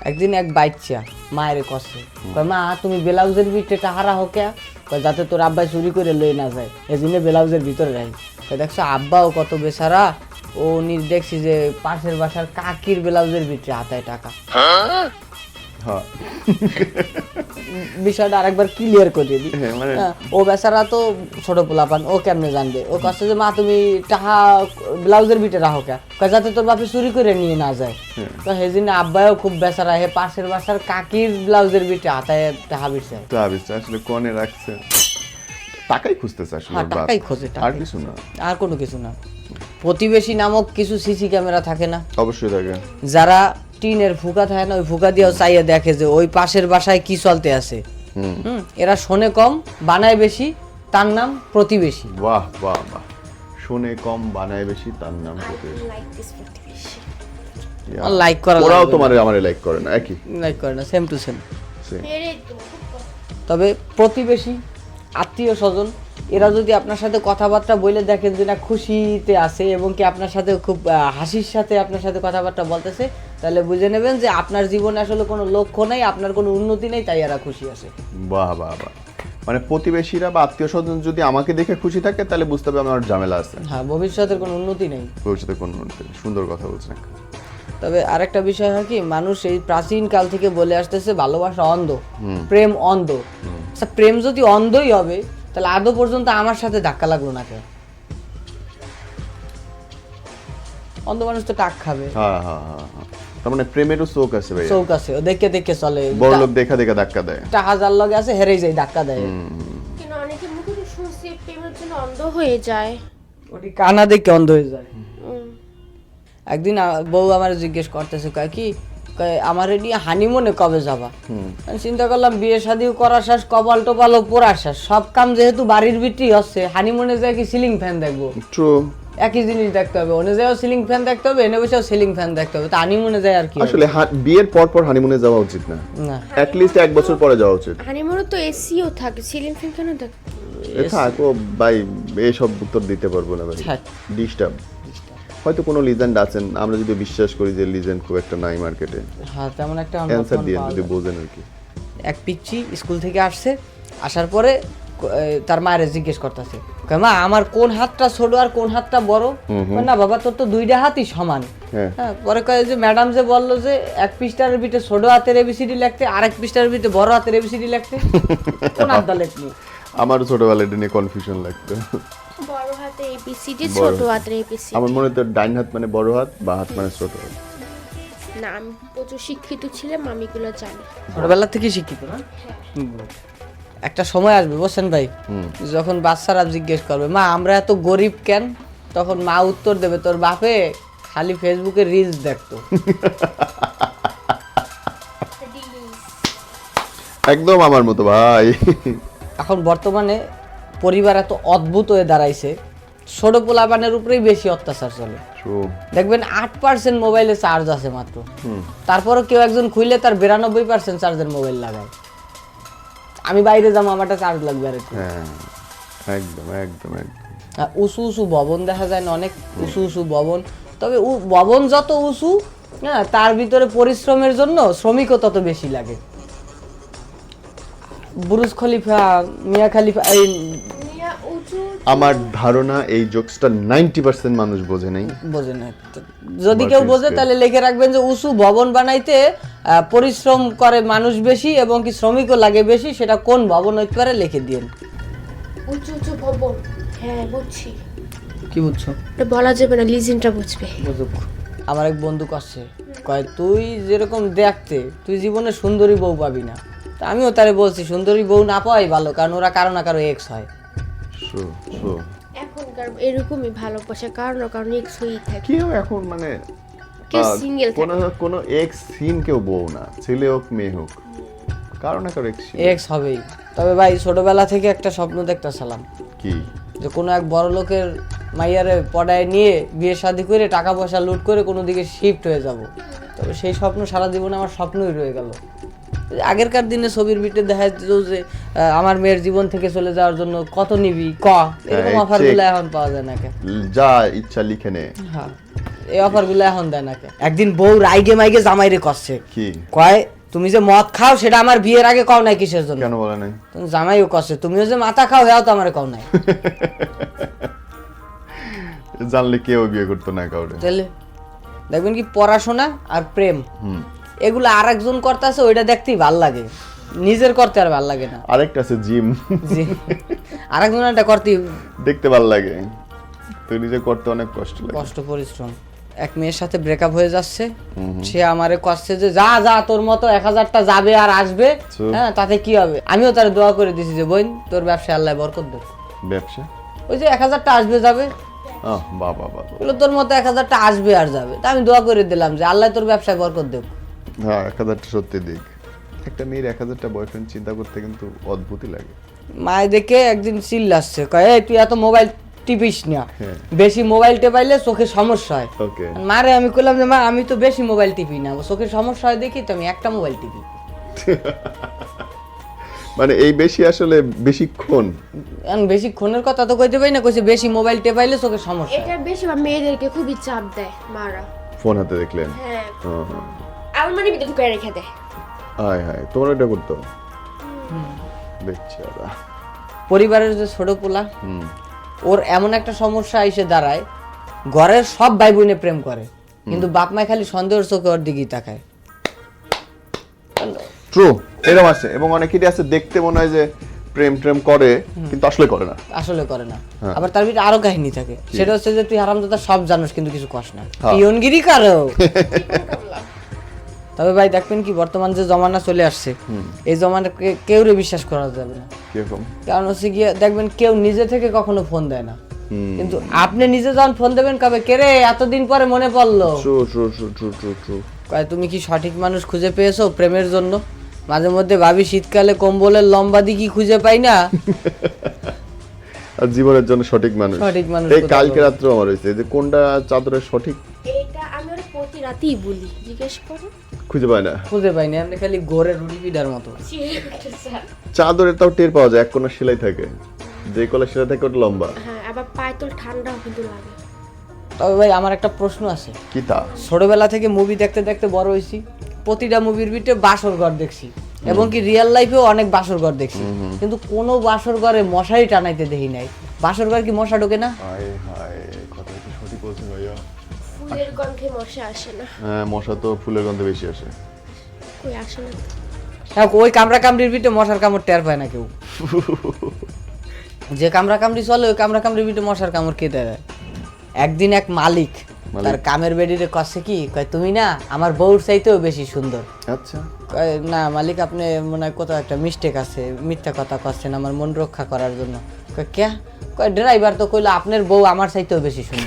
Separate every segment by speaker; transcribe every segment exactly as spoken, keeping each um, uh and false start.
Speaker 1: একদিন এক বাচ্চা মায়ের কষে কয় মা তুমি ব্লাউজের ভিতরে টাহারা হোকে কয় যাতে তোর আব্বাই চুরি করে লই না যায় এই জন্য ব্লাউজের ভিতরে রাখি কয় দেখছো আব্বাও কত বেচারা ও নি দেখছি যে পাশের বাসার কাকির ব্লাউজের ভিতরে হাতায় টাকা। বিষয়টা আরেকবার ক্লিয়ার করে দিই, ও বেচারা তো ছোট পোলাপান, ও কেমনে জানবে? ও কাছে যে মা তুমি টাহা ব্লাউজের ভিতরে রাখো কে যাতে তোর বাপে চুরি করে নিয়ে না যায়। তো সেই জন্য আব্বাও খুব বেচারা হে পাশের বাসার কাকির ব্লাউজের ভিতরে হাতায় টাহা বিছে
Speaker 2: আসলে কোনে রাখছে টাকাই খুঁজতেছে আসলে
Speaker 1: টাকাই খোঁজে,
Speaker 2: আর কিছু না,
Speaker 1: আর কোনো কিছু না। প্রতিবেশী নামক কিছু সিসি ক্যামেরা থাকে না?
Speaker 2: অবশ্যই থাকে।
Speaker 1: যারা টিনের ফুকা থাকে না ওই ফুকা দিয়েও চাইয়ে দেখে যে ওই পাশের বাসায় কি চলতে আছে। হুম এরা শোনে কম বানায় বেশি, তার নাম প্রতিবেশী।
Speaker 2: বাহ বাহ বাহ, শোনে কম বানায় বেশি, তার নাম প্রতিবেশী।
Speaker 1: লাইক করা
Speaker 2: ওরাও তোমারে আমারে লাইক করে না, একই
Speaker 1: লাইক করে না, সেম টু সেম। তবে প্রতিবেশী আত্মীয় স্বজন এরা যদি আপনার সাথে কথাবার্তা বলে দেখেন যে না খুশিতে আছে এবং কি আপনার সাথে খুব হাসির সাথে আপনার সাথে কথাবার্তা বলতেছে, তাহলে বুঝে নেবেন যে আপনার জীবনে আসলে কোনো লক্ষ্য নেই, আপনার কোনো উন্নতি নেই, তাই এরা খুশি আছে।
Speaker 2: বাহ বাহ বাহ, মানে প্রতিবেশীরা বা আত্মীয় স্বজন যদি আমাকে দেখে খুশি থাকে তাহলে বুঝতে হবে আমার ঝামেলা আছে।
Speaker 1: হ্যাঁ, ভবিষ্যতের কোনো উন্নতি নেই,
Speaker 2: ভবিষ্যতে কোনো উন্নতি নেই। সুন্দর কথা বলছেন।
Speaker 1: তবে আরেকটা বিষয় হয় কি, মানুষ এই প্রাচীন কাল থেকে বলে আসতেছে ভালোবাসা অন্ধ, প্রেম অন্ধ। আচ্ছা প্রেম যদি অন্ধই হবে তাহলে আদৌ পর্যন্ত আমার সাথে ধাক্কা লাগলো না কেন? অন্ধ মানুষ তো টাক খাবে।
Speaker 2: হ্যাঁ হ্যাঁ হ্যাঁ, তার মানে প্রেমেরও চোখ আছে ভাই,
Speaker 1: চোখ আছে, ও দেখে দেখে চলে,
Speaker 2: বড় লোক দেখা দেখা ধাক্কা দেয়,
Speaker 1: টা হাজার লগে আছে হেরেই যায় ধাক্কা দেয়।
Speaker 3: কিন্তু অনেকে মুখে তো শুনছি প্রেমের জন্য অন্ধ হয়ে যায়,
Speaker 1: ওটি কানা দেখে অন্ধ হয়ে যায়। একদিন বউ আমার জিজ্ঞেস করতেছে কয় কি আমার নিয়ে হানিমুনে কবে যাবা? আমি চিন্তা করলাম বিয়ে শাদিও করা শেষ, কপাল টোপালও পোড়া শেষ, সব কাম যেহেতু বাড়ির ভিতরেই হচ্ছে, হানিমুনে যায় কি সিলিং ফ্যান দেখবো?
Speaker 2: ট্রু,
Speaker 1: একই জিনিস দেখতে হবে, ওনে যাও সিলিং ফ্যান দেখতে হবে, এনে বসেও সিলিং ফ্যান দেখতে হবে, তো হানিমুনে যায় আর কি?
Speaker 2: আসলে বিয়ের পর পর হানিমুনে যাওয়া উচিত না,
Speaker 1: না
Speaker 2: অ্যাট লিস্ট এক বছর পরে যাওয়া উচিত।
Speaker 3: হানিমুনে তো এসিও থাকে, সিলিং ফ্যান কেন থাকে?
Speaker 2: থাকো ভাই, এইসব উত্তর দিতে পারবো না ভাই, ডিস্টার্ব। হয়তো কোনো লিজেন্ড আছেন, আমরা যদি বিশ্বাস করি যে লিজেন্ড খুব একটা নাই মার্কেটে।
Speaker 1: হ্যাঁ, তেমন একটা
Speaker 2: অ্যানসার দিয়ে যদি বোঝেন আর কি।
Speaker 1: এক পিচ্চি স্কুল থেকে আসছে, আসার পরে তার মায়ের জিজ্ঞেস করতেছে মা আমার কোন হাতটা ছোট আর কোন হাতটা বড়? না বাবা তোর তো দুইটা হাতই সমান। হ্যাঁ, পরে কয় যে ম্যাডাম যে বললো যে এক পৃষ্ঠার ভিতরে ছোট হাতের এবিসিডি লিখতে, আরেক পৃষ্ঠার ভিতরে বড় হাতের এবিসিডি লিখতে, কোন হাতটা লিখবি?
Speaker 2: আমার ছোটবেলায় এটা নিয়ে কনফিউশন লাগতো,
Speaker 3: বড় হাতে এবিসিডি, ছোট হাতে এবিসিডি।
Speaker 2: আমার মনে তো ডাইন হাত মানে বড় হাত, বা হাত মানে ছোট হাত।
Speaker 3: না আমি প্রচুর শিক্ষিত ছিলাম, আমি এগুলো জানি
Speaker 1: ছোটবেলা থেকে শিক্ষিত না। একটা সময় আসবে বুঝছেন ভাই, যখন বাচ্চারা জিজ্ঞেস করবে মা আমরা এত গরিব কেন, তখন মা উত্তর দেবে তোর বাপে খালি ফেসবুকে রিলস দেখতো।
Speaker 2: একদম আমার মতো ভাই।
Speaker 1: এখন বর্তমানে পরিবার এত অদ্ভুত হয়ে দাঁড়াইছে, ছোট পোলাপানের উপরেই বেশি অত্যাচার চলে। দেখবেন আট পার্সেন্ট মোবাইলে চার্জ আছে মাত্র, তারপরও কেউ একজন খুইলে তার বিরানব্বই পার্সেন্ট চার্জের মোবাইল লাগায়। আমি বাইরে যাবো আমারটা চার্জ লাগবে আর একটু।
Speaker 2: একদম একদম একদম
Speaker 1: উঁচু উঁচু ভবন দেখা যায় না, অনেক উঁচু উঁচু ভবন, তবে ভবন যত উঁচু হ্যাঁ তার ভিতরে পরিশ্রমের জন্য শ্রমিকও তত বেশি লাগে। বুরুজ খলিফা, মিয়া খলিফা, এই
Speaker 2: আমার ধারণা এই জোকসটা নাইনটি পার্সেন্ট মানুষ বোঝে নাই,
Speaker 1: বোঝে না। যদি কেউ বোঝে তাহলে লিখে রাখবেন যে উঁচু ভবন বানাইতে পরিশ্রম করে মানুষ বেশি এবং কি শ্রমিকও লাগে বেশি, সেটা কোন ভবন হইতে পারে লিখে দিন।
Speaker 3: উঁচু উঁচু ভবন, হ্যাঁ বুঝছি।
Speaker 1: কি বুঝছো?
Speaker 3: এটা বলা যাবে না, লিজেন্ডটা বুঝবে।
Speaker 1: বুঝুক। আমার এক বন্ধু কাছে কয় তুই যেরকম দেখতে তুই জীবনে সুন্দরী বউ পাবি না, তা আমিও তারে বলছি সুন্দরী বউ না পাওয়াই ভালো, কারণ ওরা কারো না কারো এক্স হয়।
Speaker 3: এখনকার এরকমই ভালোবাসা কারণ কারণ এক্স হয়েই থাকে।
Speaker 2: কেউ এখন মানে
Speaker 3: সিঙ্গেল
Speaker 2: কোন কোন এক্স সিন কেউ বউ না, ছেলে হোক মেয়ে হোক, কারণ না কারো এক্স
Speaker 1: এক্স হবেই। তবে ভাই ছোটবেলা থেকে একটা স্বপ্ন দেখতেছিলাম
Speaker 2: কি, যে
Speaker 1: কোনো এক বড় লোকের মাইয়ারে পড়ায় নিয়ে বিয়ে শাদী করে টাকা পয়সা লুট করে কোনো দিকে শিফট হয়ে যাব। তবে সেই স্বপ্ন সারা জীবনে আমার স্বপ্নই রয়ে গেল। আগেরকার দিনে ছবির ভিতরে দেখা যেত যে আমার মেয়ের জীবন থেকে চলে যাওয়ার জন্য কত নিবি ক, এরকম অফারগুলো এখন পাওয়া যায় না।
Speaker 2: যা ইচ্ছা লিখে নে।
Speaker 1: হ্যাঁ, এই অফারগুলো এখন দেয় না কে? একদিন বউ রাইগে মাইগে জামাইরে কষছে,
Speaker 2: কি
Speaker 1: কয় তুমি যে মদ খাও সেটা আমার বিয়ের আগে কও নাই কিসের জন্য?
Speaker 2: কেন বলে নাই?
Speaker 1: তুমি জামাইও কষছে, তুমিও যে মাথা খাও হেও তো আমারে কও নাই।
Speaker 2: জানলে কেউ বিয়ে করতো না কাউরে।
Speaker 1: তাহলে দেখবেন কি পড়াশোনা আর প্রেম
Speaker 2: হুম
Speaker 1: এগুলো আর একজন করতেছে, ওইটা দেখতেই ভাল লাগে, নিজের করতে আর ভাল লাগে না।
Speaker 2: আরেকটা আছে জিম,
Speaker 1: জি, আর একজন এটা করতে
Speaker 2: দেখতে ভাল লাগে, তুই নিজে করতে অনেক কষ্ট লাগে।
Speaker 1: কষ্ট পরিশ্রম। এক মেয়ের সাথে ব্রেকআপ হয়ে যাচ্ছে, সে আমারে কষ্টে যে যা যা তোর মতো এক হাজারটা যাবে আর আসবে,
Speaker 2: So?
Speaker 1: হ্যাঁ তাতে কি হবে? আমিও তার দোয়া করে দিছি যে বোন তোর ব্যবসায় আল্লাহ বরকত দেব।
Speaker 2: ব্যবসা
Speaker 1: ওই যে এক হাজারটা আসবে যাবে,
Speaker 2: আহ বাবা বাবা,
Speaker 1: বললো তোর মতো এক হাজারটা আসবে আর যাবে, তা আমি দোয়া করে দিলাম যে আল্লাহ তোর ব্যবসায় বরকত দেব।
Speaker 2: হ্যাঁ এক হাজারটা সত্যি দিক। একটা মেয়ের এক হাজারটা বয়ফ্রেন্ড চিন্তা করতে কিন্তু অদ্ভুতই লাগে।
Speaker 1: মায়ে দেখে একদিন চিল্লাচ্ছে, কয় এই তুই এত মোবাইল টিপিস না,
Speaker 2: হ্যাঁ।
Speaker 1: বেশি মোবাইল টেপাইলে চোখে সমস্যা হয়।
Speaker 2: ওকে,
Speaker 1: মারে আমি কইলাম যে মা আমি তো বেশি মোবাইল টিপি না, চোখের সমস্যা হয় দেখি তো আমি একটা মোবাইল টিপি।
Speaker 2: মানে এই বেশি আসলে বেশিক্ষণ
Speaker 1: এখন বেশিক্ষণের কথা তো কইতে পারি না, কইছে বেশি মোবাইল টেপাইলে চোখের সমস্যা হয়।
Speaker 3: এটা বেশিরভাগ মেয়েদেরকে খুবই চাপ দেয় মারা।
Speaker 2: ফোন হাতে দেখলেন?
Speaker 3: হ্যাঁ,
Speaker 2: হ্যাঁ, হ্যাঁ।
Speaker 3: আমার মানে ভিতরে ঢুকে রেখে দেয়।
Speaker 2: হায় হায়, তোমরা এটা করতো? বেচারা।
Speaker 1: পরিবারের যে ছোট পোলা,
Speaker 2: হুম
Speaker 1: ওর এমন একটা সমস্যা এসে দাঁড়ায়, ঘরের সব ভাই বোনে প্রেম করে কিন্তু বাপ মায় খালি সন্দেহের চোখে ওর দিকেই তাকায়।
Speaker 2: ট্রু, এরকম আছে এবং অনেকেরই আছে দেখতে মনে হয় যে প্রেম প্রেম করে কিন্তু আসলে করে না।
Speaker 1: আসলে করে না।
Speaker 2: হ্যাঁ।
Speaker 1: আবার তার ভিতরে আরো কাহিনী থাকে, সেটা হচ্ছে যে তুই হারামজাদা সব জানোস কিন্তু কিছু কস না,
Speaker 2: হ্যাঁ।
Speaker 1: পিয়নগিরি কারো। তবে ভাই দেখবেন কি বর্তমান যে জমানা চলে আসছে, এই জমানা কেউ বিশ্বাস করা যাবে না।
Speaker 2: কিরকম?
Speaker 1: কারণ হচ্ছে গিয়ে দেখবেন কেউ নিজে থেকে কখনো ফোন দেয় না,
Speaker 2: হুম
Speaker 1: কিন্তু আপনি নিজে যখন ফোন দেবেন কবে কে রে এতদিন পরে মনে পড়লো,
Speaker 2: true true true true true true.
Speaker 1: কয় তুমি কি সঠিক মানুষ খুঁজে পেয়েছো প্রেমের জন্য? মাঝে মধ্যে ভাবি শীতকালে কম্বলের লম্বা দিকি খুঁজে পাই না।
Speaker 2: আর জীবনের জন্য সঠিক মানুষ,
Speaker 1: সঠিক মানুষ
Speaker 2: এই
Speaker 1: কোথায়
Speaker 2: কালকে
Speaker 1: পাবো?
Speaker 2: রাত্রে আমার হয়েছে যে কোনটা চাদরের সঠিক
Speaker 3: এটা আমি ওর প্রতি রাতেই বলি, জিজ্ঞেস করো।
Speaker 2: খুঁজে পায় না।
Speaker 1: খুঁজে পাই না, আপনি খালি গোরে রুটি পিঠার মতো।
Speaker 2: চাদরের তাও টের পাওয়া যায়, এক কোণা সেলাই থাকে, যে কোণা সেলাই থাকে ওটা লম্বা।
Speaker 3: হ্যাঁ, আবার পায়ে তো ঠান্ডাও কিন্তু লাগে।
Speaker 1: তবে ভাই আমার একটা প্রশ্ন আছে,
Speaker 2: কি তা?
Speaker 1: ছোটবেলা থেকে মুভি দেখতে দেখতে বড় হয়েছি, প্রতিটা মুভির ভিতরে বাসর ঘর দেখছি এবং কি রিয়েল লাইফেও অনেক বাসর ঘর দেখছি, কিন্তু কোনো বাসর ঘরে মশারি টানাইতে দেখি নাই। বাসর ঘর কি মশা ঢোকে না?
Speaker 2: হায় হায়, কথা কি সঠিক বলছেন ভাইয়া?
Speaker 3: ফুলের গন্ধে মশা আসে না।
Speaker 2: হ্যাঁ, মশা তো ফুলের গন্ধে বেশি আসে।
Speaker 3: কই আসে না?
Speaker 1: হ্যাঁ, ওই কামড়া কামড়ির ভিতরে মশার কামড় টের পায় না কেউ। যে কামড়া কামড়ি চলে ওই কামড়া কামড়ির ভিতরে মশার কামড় কে দেয়? একদিন এক মালিক তার কামের বেডিরে কচ্ছে কি, কয় তুমি না আমার বউর চাইতেও বেশি সুন্দর।
Speaker 2: আচ্ছা,
Speaker 1: কয় না মালিক আপনি মনে হয় কোথাও একটা মিস্টেক আছে, মিথ্যা কথা কচ্ছেন আমার মন রক্ষা করার জন্য। কয় কে? কয় ড্রাইভার তো কইলো আপনার বউ আমার চাইতেও বেশি সুন্দর।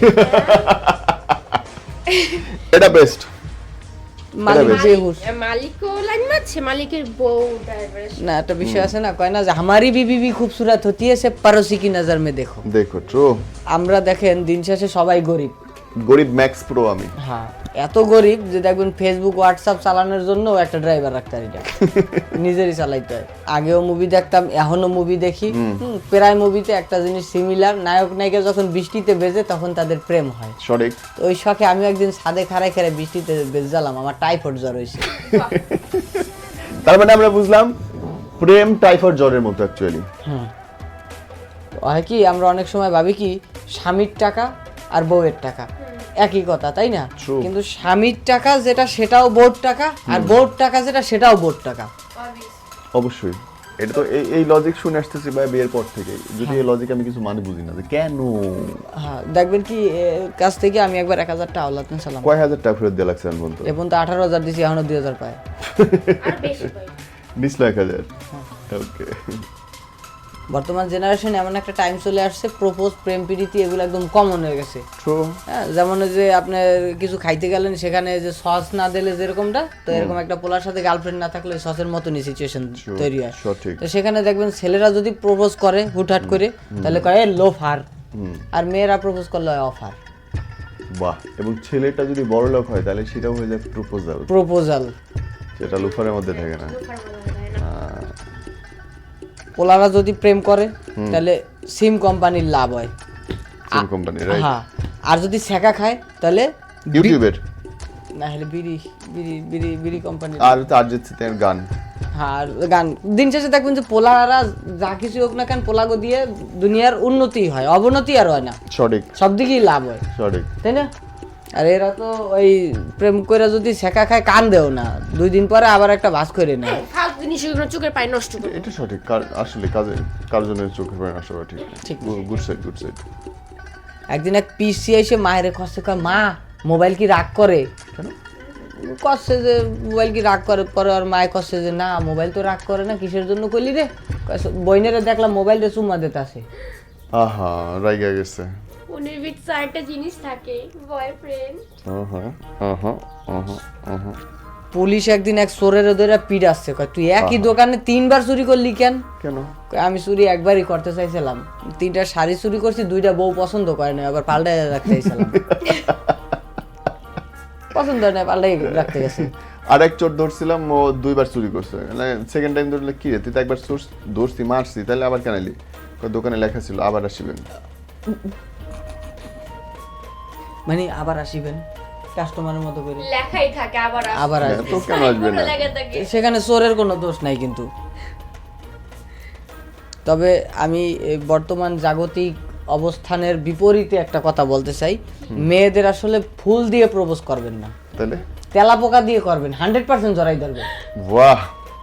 Speaker 2: এটা বেস্ট।
Speaker 1: মালিক বেহুশ।
Speaker 3: মালিকও লাইন মারছে, মালিকের বউ ড্রাইভারের।
Speaker 1: না একটা বিষয় আছে না, কয় না যে হামারি বিবি ভি খুবসুরত হতি है সে পড়োসি কি নজর মে দেখো।
Speaker 2: দেখো ট্রু,
Speaker 1: আমরা দেখেন দিন শেষে সবাই গরিব।
Speaker 2: গরিব ম্যাক্স প্রো আমি।
Speaker 1: হ্যাঁ, এত গরিব যে দেখবেন ফেসবুক হোয়াটসঅ্যাপ চালানোর জন্য একটা ড্রাইভার রাখতে পারি না, নিজেরই চালাইতে হয়। আগেও মুভি দেখতাম, এখনো মুভি দেখি। হুম, প্রায় মুভিতে একটা জিনিস সিমিলার, নায়ক নায়িকা যখন বৃষ্টিতে বেজে তখন তাদের প্রেম হয়।
Speaker 2: সঠিক।
Speaker 1: তো ওই শখে আমি একদিন ছাদে খাড়াই খাড়াই বৃষ্টিতে বেজালাম, আমার টাইফয়েড জ্বর হয়েছে।
Speaker 2: তার মানে আমরা বুঝলাম প্রেম টাইফয়েড জ্বরের মতো অ্যাকচুয়ালি।
Speaker 1: হুম, হয় কি আমরা অনেক সময় ভাবি কি স্বামীর টাকা আর বউয়ের টাকা একই কথা, তাই না?
Speaker 2: True.
Speaker 1: কিন্তু স্বামীর টাকা যেটা সেটাও বউর টাকা, আর বউর টাকা যেটা সেটাও বউর টাকা।
Speaker 2: অবশ্যই, এটা তো এই এই লজিক শুনে আসতেছি ভাই বিয়ের পর থেকে, যদি এই লজিক আমি কিছু মানে বুঝি না যে কেন।
Speaker 1: হ্যাঁ, দেখবেন কি এর কাছ থেকে আমি একবার এক হাজার টাকা আওলাদ নিয়েছিলাম,
Speaker 2: কয় হাজার টাকা ফেরত দিয়ে লাগছে আমি বলতো?
Speaker 1: এখন তো আঠারো হাজার দিছি, এখনো দুই হাজার পায়।
Speaker 3: আর বেশি পাই।
Speaker 2: নিছিল এক হাজার। ওকে,
Speaker 1: বর্তমান জেনারেশনে এমন একটা টাইম চলে আসছে, প্রপোজ প্রেম প্রীতি এগুলো একদম কমন হয়ে গেছে।
Speaker 2: ট্রু।
Speaker 1: হ্যাঁ, যেমন ওই যে আপনার কিছু খাইতে গেলেন সেখানে যে সস না দিলে যেরকমটা, তো এরকম একটা পোলার সাথে গার্লফ্রেন্ড না থাকলে সসের মতনই সিচুয়েশন তৈরি হয়।
Speaker 2: সঠিক।
Speaker 1: তো সেখানে দেখবেন ছেলেরা যদি প্রপোজ করে হুটহাট করে তাহলে কয় লোফার, আর মেয়েরা প্রপোজ করলে হয় অফার।
Speaker 2: বাহ, এবং ছেলেটা যদি বড় লোক হয় তাহলে সেটাও হয়ে যায় প্রপোজাল,
Speaker 1: প্রপোজাল,
Speaker 2: যেটা লুফারের মধ্যে থাকে না।
Speaker 3: লোফার বলা যায় না।
Speaker 1: পোলারা যদি প্রেম করে তাহলে সিম কোম্পানির লাভ হয়।
Speaker 2: Sim company, right?
Speaker 1: হ্যাঁ, আর যদি ছেঁকা খায় তাহলে
Speaker 2: ইউটিউবের
Speaker 1: না হলে বিড়ি বিড়ি বিড়ি বিড়ি কোম্পানি
Speaker 2: আর তো অরিজিৎ সিং এর গান
Speaker 1: হ্যাঁ আর গান দিন শেষে দেখবেন যে পোলারা যা কিছু হোক না কেন পোলাগো দিয়ে দুনিয়ার উন্নতি হয় অবনতি আর হয় না
Speaker 2: সঠিক
Speaker 1: সব দিকেই লাভ হয়
Speaker 2: সঠিক
Speaker 1: তাই না আর এরা তো ওই প্রেম করে যদি শেখা খায় কান দেও না দুই দিন পরে আবার একটা বাস করে নেয়
Speaker 3: ফালতু জিনিস ওগুলো চোখের পানি নষ্ট করে
Speaker 2: এটা সঠিক কার- আসলে কাজে কার জন্য চোখের পানি আসা ঠিক
Speaker 1: ঠিক।
Speaker 2: গুড সাইড গুড সাইড
Speaker 1: একদিন এক পিসি এসে মায়ের কষ্টে কয় মা মোবাইল কি রাগ করে
Speaker 2: কেন
Speaker 1: কষ্টে যে মোবাইল কি রাগ করে পরে আর মায়ের কষ্টে যে না মোবাইল তো রাগ করে না কিসের জন্য কইলি রে বইনেরে দেখলাম মোবাইলটা চুম্মা দিতে আসে
Speaker 2: আহা রাইগা গেছে
Speaker 3: ফোনের ভিতরে একটা জিনিস থাকে বয়ফ্রেন্ড
Speaker 2: আহা আহা আহা আহা
Speaker 1: পুলিশ একদিন এক চোরের ধরে পিড আসছে কয় তুই একই দোকানে তিনবার চুরি করলি কেন
Speaker 2: কেন
Speaker 1: কয়, আমি চুরি একবারই করতে চাইছিলাম তিনটা শাড়ি চুরি করছি দুইটা বউ পছন্দ করে না আবার পাল্টাই রাখতে চাইছিলাম পছন্দ হয় না পাল্টাই রাখতে গেছে
Speaker 2: আরেক চোর ধরছিলাম ও দুইবার চুরি করছে সেকেন্ড টাইম ধরলে কি রে তুই তো একবার চোর ধরছি মারছি তাহলে আবার কেন এলি কয় দোকানে লেখা ছিল আবার আসিবেন
Speaker 1: মানে আবার আসিবেন কাস্টমারের মতো করে
Speaker 3: লেখাই থাকে আবার আসবে।
Speaker 1: আবার
Speaker 2: হ্যাঁ,
Speaker 1: আসবে
Speaker 2: তো কেন আসবে না
Speaker 3: লেখা থাকে
Speaker 1: সেখানে চোরের কোনো দোষ নাই কিন্তু তবে আমি এই বর্তমান জাগতিক অবস্থানের বিপরীতে একটা কথা বলতে চাই মেয়েদের আসলে ফুল দিয়ে প্রপোজ করবেন না
Speaker 2: তাহলে
Speaker 1: তেলা পোকা দিয়ে করবেন হান্ড্রেড পার্সেন্ট জড়াই ধরবে
Speaker 2: বাহ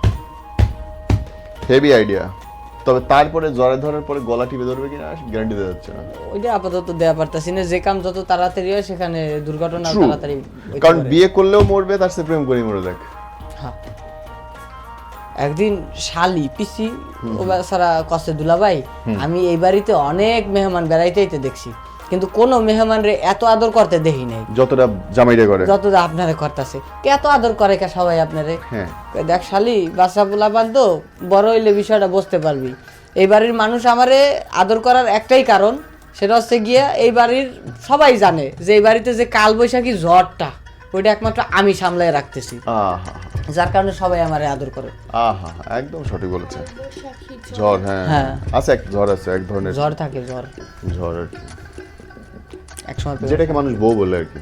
Speaker 2: হেভি আইডিয়া তবে তারপরে জ্বরে ধরার পরে গলা টিপে ধরবে কিনা গ্যারান্টি দেওয়া যাচ্ছে না
Speaker 1: ওইটা আপাতত দেওয়া পারতাছি না যে কাম যত তাড়াতাড়ি হয় সেখানে দুর্ঘটনা
Speaker 2: True.
Speaker 1: তাড়াতাড়ি হইতে
Speaker 2: কারণ
Speaker 1: পারে।
Speaker 2: বিয়ে করলেও মরবে তার সে প্রেম করে মরে দেখ
Speaker 1: হ্যাঁ। একদিন শালি পিসি ও সারা কষ্টে দুলাভাই আমি এই বাড়িতে অনেক মেহমান বেড়াইতেইতে দেখছি কিন্তু কোনো মেহমান রে এত আদর করতে দেখি নাই
Speaker 2: যতটা জামাইরে করে
Speaker 1: যতটা আপনারে করতেছে কে এত আদর করে কে সবাই আপনারে
Speaker 2: হ্যাঁ
Speaker 1: কই, দেখ শালি বাচ্চা পোলা বাদ বড় হইলে বিষয়টা বুঝতে পারবি এই বাড়ির মানুষ আমারে আদর করার একটাই কারণ সেটা হচ্ছে গিয়া এই বাড়ির সবাই জানে যে এই বাড়িতে যে কাল বৈশাখী ঝড়টা ওইটা একমাত্র আমি সামলায় রাখতেছি
Speaker 2: আহা
Speaker 1: যার কারণে সবাই আমারে আদর করে
Speaker 2: আহা একদম সঠিক বলেছে
Speaker 3: বৈশাখী ঝড়।
Speaker 2: ঝড় হ্যাঁ
Speaker 1: হ্যাঁ।
Speaker 2: আছে এক ঝড় আছে এক ধরনের
Speaker 1: ঝড় থাকে ঝড়
Speaker 2: ঝড় আর কি
Speaker 1: এক সময়
Speaker 2: যেটাকে মানুষ বউ বলে আর কি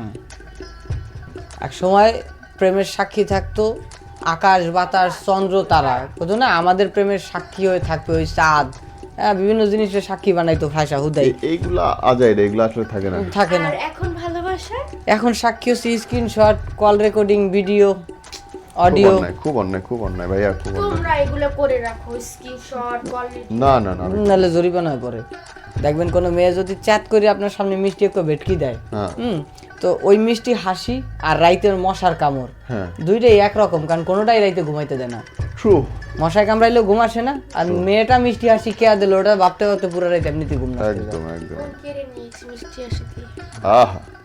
Speaker 1: এক সময় প্রেমের সাক্ষী থাকতো আকাশ বাতাস চন্দ্র তারা কত না আমাদের প্রেমের সাক্ষী হয়ে থাকবে ওই চাঁদ হ্যাঁ বিভিন্ন জিনিসের সাক্ষী বানাইতো ভাষা হুদাই
Speaker 2: এই- এইগুলা আজাই রে এগুলো আসলে থাকে না
Speaker 1: থাকে না
Speaker 3: আর এখন ভালোবাসা
Speaker 1: এখন সাক্ষী হচ্ছে স্ক্রিনশট কল রেকর্ডিং ভিডিও
Speaker 2: খুব
Speaker 1: অডিও
Speaker 2: অন্যায় খুব অন্যায় খুব অন্যায় ভাইয়া খুব অন্যায়
Speaker 3: তোমরা এগুলো করে রাখো স্ক্রিনশট কল
Speaker 2: না না না
Speaker 1: নাহলে জরিমানা পড়ে দেখবেন কোনো মেয়ে যদি চ্যাট করে আপনার সামনে মিষ্টি একটু ভেটকি দেয়
Speaker 2: হ্যাঁ
Speaker 1: হুম তো ওই মিষ্টি হাসি আর রাইতের মশার কামড়
Speaker 2: হ্যাঁ
Speaker 1: দুইটাই একরকম কারণ কোনোটাই রাইতে ঘুমাইতে দেয় না
Speaker 2: ট্রু
Speaker 1: মশায় কামড়াইলেও ঘুম আসে না আর মেয়েটা মিষ্টি হাসি কে দিল ওটা ভাবতে ভাবতে পুরো রাইতে এমনিতে ঘুম না
Speaker 2: একদম একদম
Speaker 3: কেড়ে নিয়েছি মিষ্টি আসে দিয়ে
Speaker 2: আহা